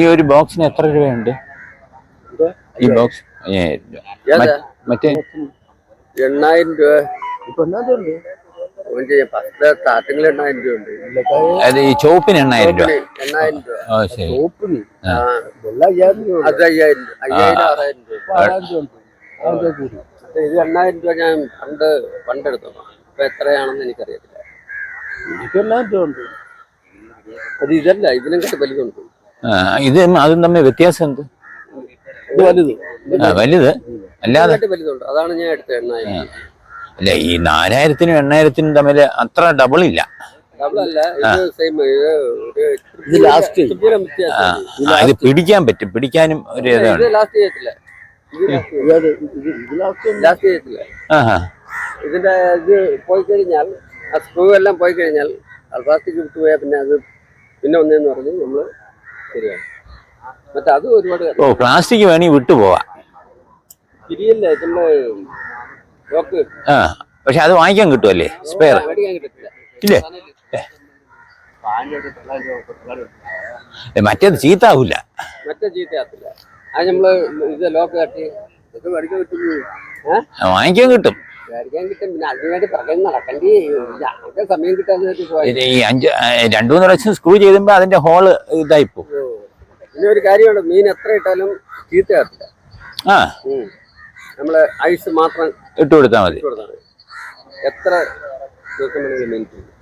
ഈ ഒരു ബോക്സിന് എത്ര രൂപയുണ്ട്? ഈ ബോക്സ് 5000 രൂപ. മറ്റേ 8000 രൂപ. ഇപ്പൊ സ്റ്റാർട്ടിംഗിൽ 8000 രൂപ ഉണ്ട്. അത് ഈ ചോപ്പിന് 8000 രൂപ. 8000 രൂപ. ശരി. ചോപ്പിന് അത് 5000 രൂപ. 5000 6000 രൂപ. ഇത് 8000 രൂപ ഞാൻ പണ്ടെടുത്തോ. ഇപ്പൊ എത്രയാണെന്ന് എനിക്കറിയത്തില്ല. എനിക്ക് 8000 രൂപ ഉണ്ട്. അത് ഇതല്ല, ഇതിനെക്കാട്ട് വലുതുണ്ട്. ഇത് അതും തമ്മിൽ വ്യത്യാസം എന്ത്? ഇത് വലുത്. വലുത് അല്ലാതെ വലുതുണ്ട്. അതാണ് ഞാൻ എടുത്തത് 8000. അല്ല, ഈ 4000-നും 8000-നും തമ്മിൽ അത്ര ഡബിൾ ഇല്ല. ഇത് പിടിക്കാൻ പറ്റും, പിടിക്കാനും ഒരു ഇതാണ്. ഇതിന്റെ ഇത് പോയി കഴിഞ്ഞാൽ, ആ സ്ക്രൂ എല്ലാം പോയി കഴിഞ്ഞാൽ, പ്ലാസ്റ്റിക് വിട്ടുപോയാൽ പിന്നെ അത് പിന്നെ ഒന്നേന്ന് പറഞ്ഞ് നമ്മള് ശരിയാണ്. മറ്റേ അത് ഒരുപാട് പ്ലാസ്റ്റിക് വേണമെങ്കിൽ വിട്ടുപോവാ. തിരിയല്ലേ ഇതിന്റെ ലോക്ക്. പക്ഷെ അത് വാങ്ങിക്കാൻ കിട്ടുമല്ലേ? സ്പെയർ മേടിക്കാൻ കിട്ടത്തില്ല. ഇല്ലേ? മറ്റേത് ചീത്താവൂല. മറ്റേ ചീത്തയാത്തില്ല. അത് നമ്മള് ഇത് ലോക്ക് കട്ടി ഇത് മേടിക്കാൻ കിട്ടും. വാങ്ങിക്കാൻ കിട്ടും. മേടിക്കാൻ കിട്ടും. പിന്നെ അതിനുവേണ്ടി പറയുന്ന നടക്കണ്ടി ഞങ്ങൾക്ക് സമയം കിട്ടാന്ന്. ഈ 2-3 പ്രാവശ്യം സ്ക്രൂ ചെയ്തുമ്പോ അതിന്റെ ഹോള് ഇതായിപ്പോ. പിന്നെ ഒരു കാര്യമുണ്ട്, മീൻ എത്ര ഇട്ടാലും ചീത്തയാത്തില്ല. നമ്മള് ഐസ് മാത്രം ഇട്ട് കൊടുത്താൽ മതി. എത്ര ദിവസം വേണമെങ്കിലും മീൻ